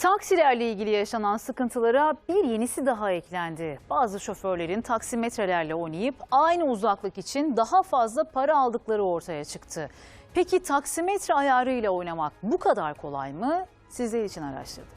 Taksilerle ilgili yaşanan sıkıntılara bir yenisi daha eklendi. Bazı şoförlerin taksimetrelerle oynayıp aynı uzaklık için daha fazla para aldıkları ortaya çıktı. Peki taksimetre ayarıyla oynamak bu kadar kolay mı? Sizler için araştırdık.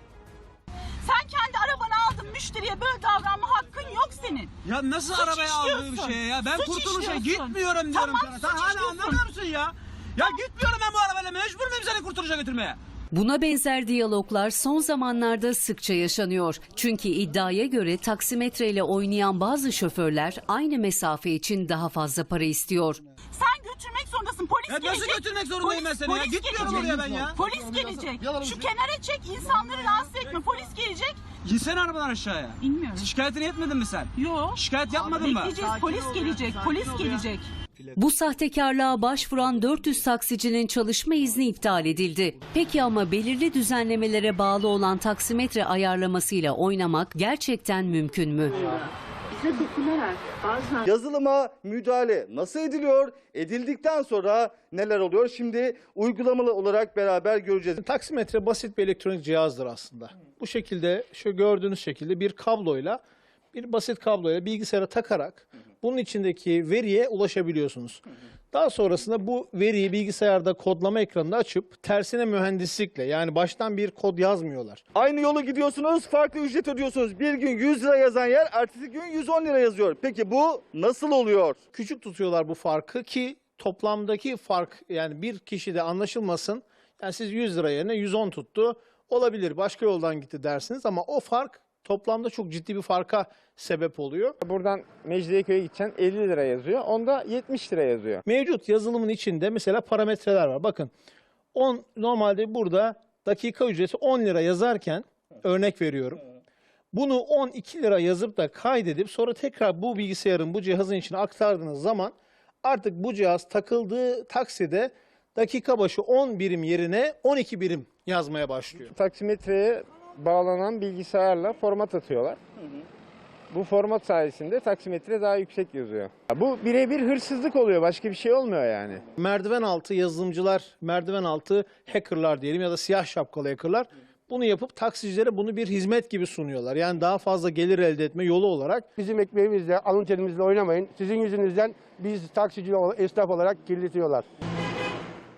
Sen kendi arabanı aldın, müşteriye böyle davranma hakkın yok senin. Ya nasıl Suç arabaya aldığım işliyorsun. şeye ya? Ben Suç kurtuluşa işliyorsun. gitmiyorum diyorum Tamam, sana. suç Sen hala işliyorsun. anlamıyor musun ya? Ya gitmiyorum ben bu arabayla, mecbur muyum seni kurtuluşa götürmeye? Buna benzer diyaloglar son zamanlarda sıkça yaşanıyor. Çünkü iddiaya göre taksimetreyle oynayan bazı şoförler aynı mesafe için daha fazla para istiyor. Sen götürmek zorundasın, polis Ya gelecek. nasıl götürmek zorundayım ben seni ya? Polis Gitmiyorum gelecek. oraya ben ya. Polis gelecek. Şu kenara çek, insanları rahatsız etme. Polis gelecek. İnsene arabadan aşağıya. İnmiyorum. Şikayetini etmedin mi sen? Yok. Şikayet yapmadın mı? Bekleyeceğiz, polis gelecek. Polis gelecek. Bu sahtekarlığa başvuran 400 taksicinin çalışma izni iptal edildi. Peki ama belirli düzenlemelere bağlı olan taksimetre ayarlamasıyla oynamak gerçekten mümkün mü? Bize dokunarak bazen Yazılıma müdahale nasıl ediliyor? Edildikten sonra neler oluyor? Şimdi uygulamalı olarak beraber göreceğiz. Taksimetre basit bir elektronik cihazdır aslında. Bu şekilde, şu gördüğünüz şekilde bir basit kabloyla bilgisayara takarak bunun içindeki veriye ulaşabiliyorsunuz. Daha sonrasında bu veriyi bilgisayarda kodlama ekranında açıp tersine mühendislikle, yani baştan bir kod yazmıyorlar. Aynı yolu gidiyorsunuz, farklı ücret ödüyorsunuz. Bir gün 100 lira yazan yer ertesi gün 110 lira yazıyor. Peki bu nasıl oluyor? Küçük tutuyorlar bu farkı ki toplamdaki fark, yani bir kişide anlaşılmasın. Yani siz 100 lira yerine 110 tuttu, olabilir başka yoldan gitti dersiniz ama o fark toplamda çok ciddi bir farka sebep oluyor. Buradan Mecidiyeköy'e gideceksin 50 lira yazıyor. Onda 70 lira yazıyor. Mevcut yazılımın içinde mesela parametreler var. Bakın normalde burada dakika ücreti 10 lira yazarken örnek veriyorum. Bunu 12 lira yazıp da kaydedip sonra tekrar bu bilgisayarın, bu cihazın içine aktardığınız zaman artık bu cihaz takıldığı takside dakika başı 10 birim yerine 12 birim yazmaya başlıyor. Taksimetreye bağlanan bilgisayarla format atıyorlar. Bu format sayesinde taksimetre daha yüksek yazıyor. Bu birebir hırsızlık oluyor. Başka bir şey olmuyor yani. Merdiven altı yazılımcılar, merdiven altı hackerlar diyelim ya da siyah şapkalı hackerlar bunu yapıp taksicilere bunu bir hizmet gibi sunuyorlar. Yani daha fazla gelir elde etme yolu olarak. Bizim ekmeğimizle, alın terimizle oynamayın. Sizin yüzünüzden biz taksici, esnaf olarak kirletiyorlar.